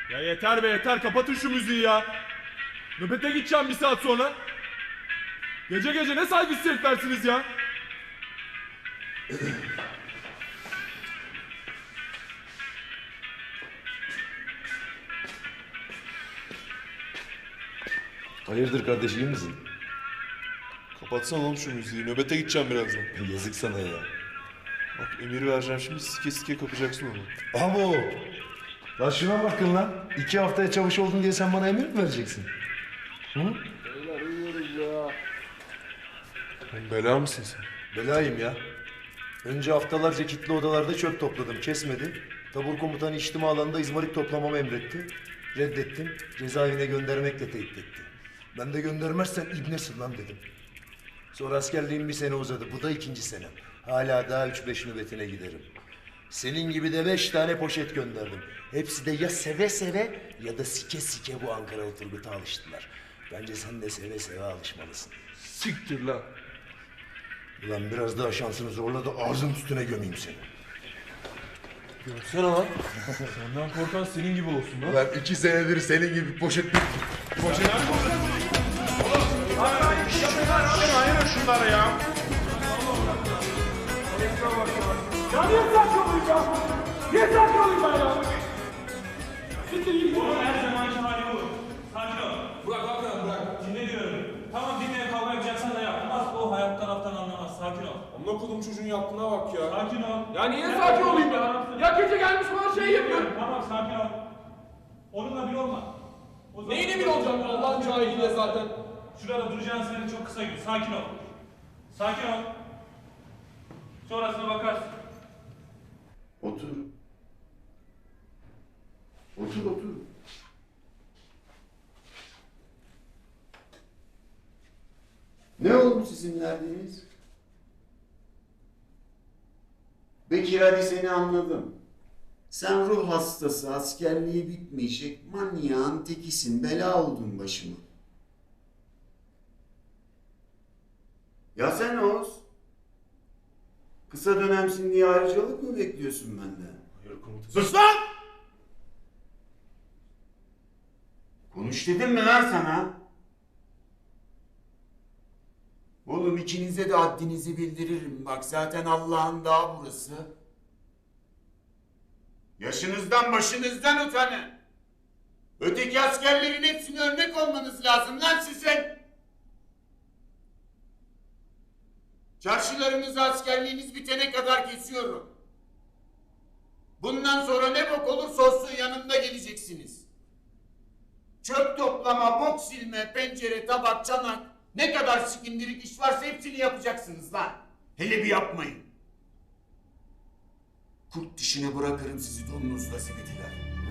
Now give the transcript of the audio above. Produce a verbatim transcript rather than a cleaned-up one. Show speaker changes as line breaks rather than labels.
Ya yeter be yeter, kapatın şu müziği ya. Nöbete gideceğim bir saat sonra. Gece gece ne saygısız heriflersiniz ya.
Hayırdır kardeş, iyi misin?
Kapatsana oğlum şu müziği. Nöbete gideceğim birazdan.
Yazık sana ya.
Bak emir vereceğim şimdi, sike sike kapacaksın onu.
Abo! Lan şuna bakın lan. İki haftaya çavuş oldun diye sen bana emir mi vereceksin? Hı?
Oğlum bela mısın sen?
Belayım ya. Önce haftalarca kilitli odalarda çöp topladım, kesmedi. Tabur komutanı içtima alanında izmarit toplamamı emretti. Reddettim, cezaevine göndermekle tehdit etti. Ben de göndermezsen ibnesin lan dedim. Sonra askerliğim bir sene uzadı, bu da ikinci senem. Hala daha üç beş nöbetine giderim. Senin gibi de beş tane poşet gönderdim. Hepsi de ya seve seve ya da sike sike bu Ankaralı Turgut'a alıştılar. Bence sen de seve seve alışmalısın.
Siktir lan.
Ulan biraz daha şansını zorla da ağzın üstüne gömeyim seni.
Görsene lan. Senden korkan senin gibi olsun lan.
Ulan iki senedir senin gibi poşet...
Poşet.
Ayırın şunları ya.
Ya niye sakin olayım ya? Niye sakin olayım ben ya? Siktir git.
Oğlum her zamanki hali bu. Sakin ol. Bırak bırak bırak. bırak. Dinle diyorum. Tamam dinle, kavga yapacaksan da yap. Nasıl o hayat taraftan anlamaz. Sakin ol.
Amına kodum çocuğun yaptığına bak ya.
Sakin ol.
Ya niye sakin olayım ya? Ya gece gelmiş bana şey yapıyor.
Tamam sakin ol. Onunla bir olma. O zaman-
Neyine bir olacağım Allah'ın cahiliyle zaten.
Şurada duracağın sene çok kısa gün. Sakin ol. Sakin ol. Sonrasına bakarsın.
Otur. Otur otur. Ne oldu sizin derdiniz? Bekir, hadi seni anladım. Sen ruh hastası, askerliği bitmeyecek, manyağın tekisin, bela oldun başıma. Ya sen Oğuz? Kısa dönemsin diye ayrıcalık mı bekliyorsun benden?
Hayır komutanım.
Sus lan! Konuş dedim mi lan sana? Oğlum ikinize de haddinizi bildiririm. Bak zaten Allah'ın dağı burası. Yaşınızdan başınızdan utanın. Öteki askerlerin hepsine örnek olmanız lazım lan sizin. Çarşılarınızı askerliğiniz bitene kadar kesiyorum. Bundan sonra ne bok olursa olsun yanımda geleceksiniz. Çöp toplama, bok silme, pencere, tabak, çanak, ne kadar sikindirik iş varsa hepsini yapacaksınız lan. Hele bir yapmayın. Kurt dişine bırakırım sizi donunuzla zibitiler.